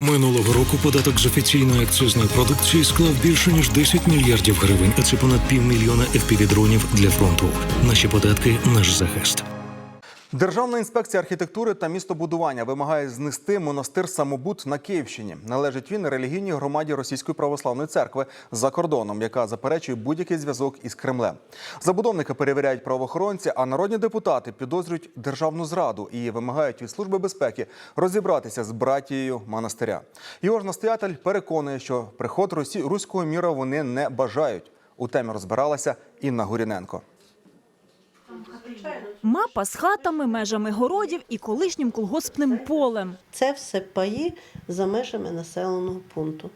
Минулого року податок з офіційної акцизної продукції склав більше ніж 10 мільярдів гривень, а це понад 500 000 FPV-дронів для фронту. Наші податки – наш захист. Державна інспекція архітектури та містобудування вимагає знести монастир Самобут на Київщині. Належить він релігійній громаді Російської православної церкви за кордоном, яка заперечує будь-який зв'язок із Кремлем. Забудовника перевіряють правоохоронці, а народні депутати підозрюють державну зраду і вимагають від Служби безпеки розібратися з братією монастиря. Його ж настоятель переконує, що приход руського міра вони не бажають. У темі розбиралася Інна Гуріненко. Мапа з хатами, межами городів і колишнім колгоспним полем. Це все паї за межами населеного пункту.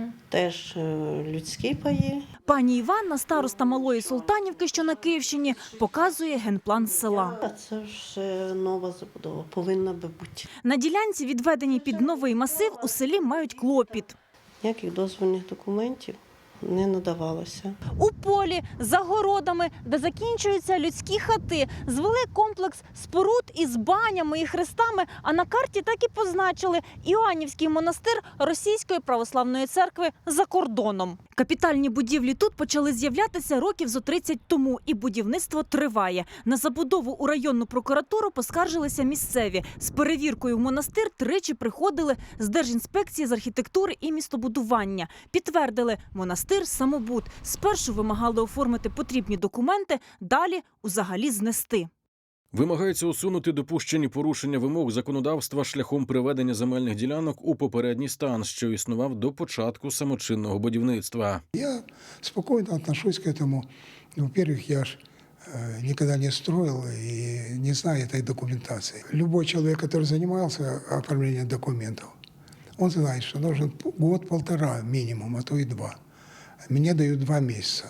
Теж людські паї. Пані Іванна, староста Малої Султанівки, що на Київщині, показує генплан села. А це вже нова забудова, повинна би бути. На ділянці, відведеній під новий масив, у селі мають клопіт. Ніяких дозвільних документів не надавалося. У полі, за городами, де закінчуються людські хати, звели комплекс споруд із банями і хрестами, а на карті так і позначили – Іоаннівський монастир Російської православної церкви за кордоном. Капітальні будівлі тут почали з'являтися років зо 30 тому, і будівництво триває. На забудову у районну прокуратуру поскаржилися місцеві. З перевіркою в монастир тричі приходили з Держінспекції з архітектури і містобудування. Підтвердили – монастир Самобут. Спершу вимагали оформити потрібні документи, далі – узагалі знести. Вимагається усунути допущені порушення вимог законодавства шляхом приведення земельних ділянок у попередній стан, що існував до початку самочинного будівництва. Я спокойно отношусь к этому. Во-первых, я ж никогда не строил и не знаю этой документации. Любой человек, который занимался оформлением документов, он знает, что нужен год-полтора минимум, а то и 2. Мне дают 2 месяца.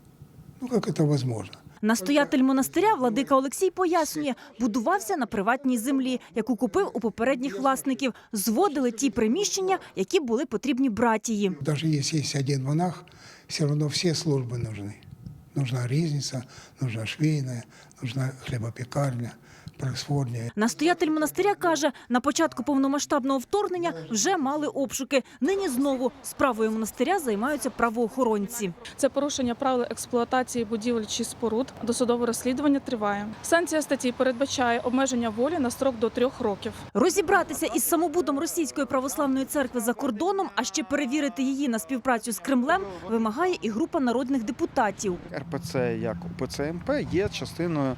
Ну, как это возможно? Настоятель монастиря владика Олексій пояснює, будувався на приватній землі, яку купив у попередніх власників. Зводили ті приміщення, які були потрібні братії. Даже если есть один монах, все равно все службы нужны. Нужна ризница, нужна швейная, нужна хлебопекарня, пресворня. Настоятель монастиря каже, на початку повномасштабного вторгнення вже мали обшуки. Нині знову справою монастиря займаються правоохоронці. Це порушення правил експлуатації будівель чи споруд. Досудове розслідування триває. Санкція статті передбачає обмеження волі на строк до 3 років. Розібратися із самобудом Російської православної церкви за кордоном, а ще перевірити її на співпрацю з Кремлем, вимагає і група народних депутатів. РПЦ, як УПЦ МП, є частиною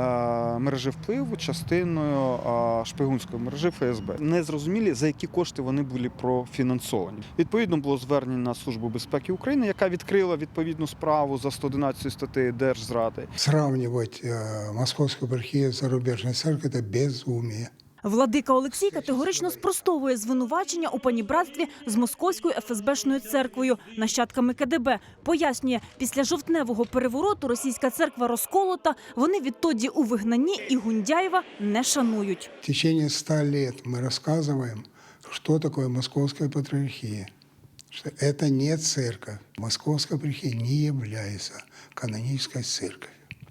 мережі впливу, частиною шпигунської мережі ФСБ. Незрозумілі, за які кошти вони були профінансовані. Відповідно, було звернення на Службу безпеки України, яка відкрила відповідну справу за 111 статтею держзради. Сравнивать московскую епархию с зарубежной церковью – это безумие. Владика Олексій категорично спростовує звинувачення у панібратстві з Московською ФСБшною церквою, нащадками КДБ. Пояснює, після жовтневого перевороту російська церква розколота, вони відтоді у вигнанні і Гундяєва не шанують. В течение 100 лет мы рассказываем, что такое Московская патриархия. Что это не церковь. Московская епархия не является канонической церковью.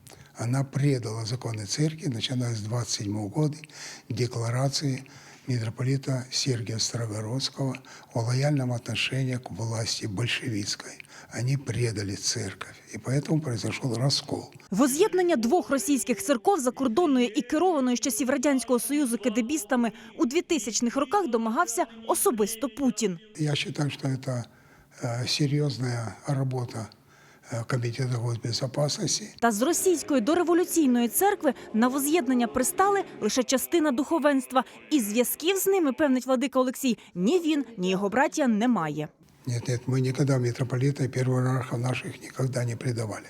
Она предала законы церкви, начиная с 27 года, декларации митрополита Сергия Строгородского о лояльном отношении к власти большевистской. Они предали церковь, и поэтому произошел раскол. Воз'єднання 2 російських церков, закордонної і керованої з часів Радянського Союзу кедебістами, у 2000-х роках домагався особисто Путін. Я считаю, что это серьезная работа Комітету госбезопасності. Та з російської дореволюційної церкви на воз'єднання пристали лише частина духовенства. І зв'язків з ними, певнить владика Олексій, ні він, ні його братія не має. Нет, мы никогда митрополита и первоиерархов наших никогда не предавали.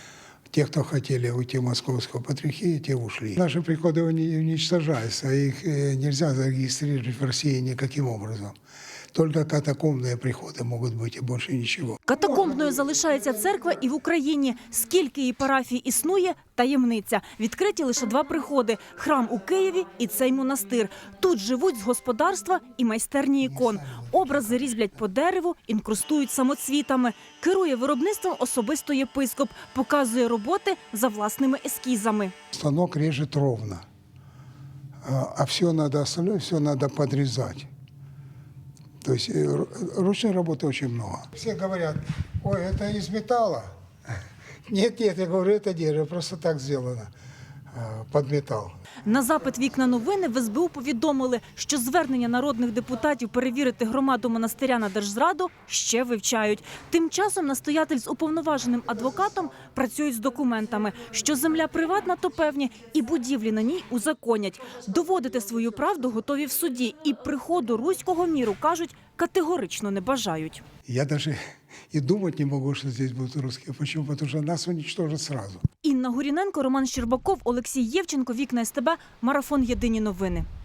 Те, кто хотели уйти в Московскую патриархию, те ушли. Наши приходы уничтожаются, их нельзя зарегистрировать в России никаким образом. Только катакомбные приходы могут быть и больше ничего. Катакомбною залишається церква і в Україні. Скільки її парафій існує – таємниця. Відкриті лише 2 приходи – храм у Києві і цей монастир. Тут живуть з господарства і майстерні ікон. Образи різблять по дереву, інкрустують самоцвітами. Керує виробництвом особисто єпископ. Показує роботи за власними ескізами. Станок режет ровно, а все надо остальное, все надо подрезать. То есть ручной работы очень много. Все говорят, ой, это из металла. Нет, я говорю, это дерево, просто так сделано под металл. На запит «Вікна новини» в СБУ повідомили, що звернення народних депутатів перевірити громаду монастиря на держзраду ще вивчають. Тим часом настоятель з уповноваженим адвокатом працюють з документами. Що земля приватна, то певні, і будівлі на ній узаконять. Доводити свою правду готові в суді. І приходу руського міру, кажуть, категорично не бажають. Я даже и думать не могу, что здесь будут русские. Почему? Потому что нас уничтожат сразу. Інна Гуріненко, Роман Щербаков, Олексій Євченко, Вікна СТБ, Марафон. Єдині новини.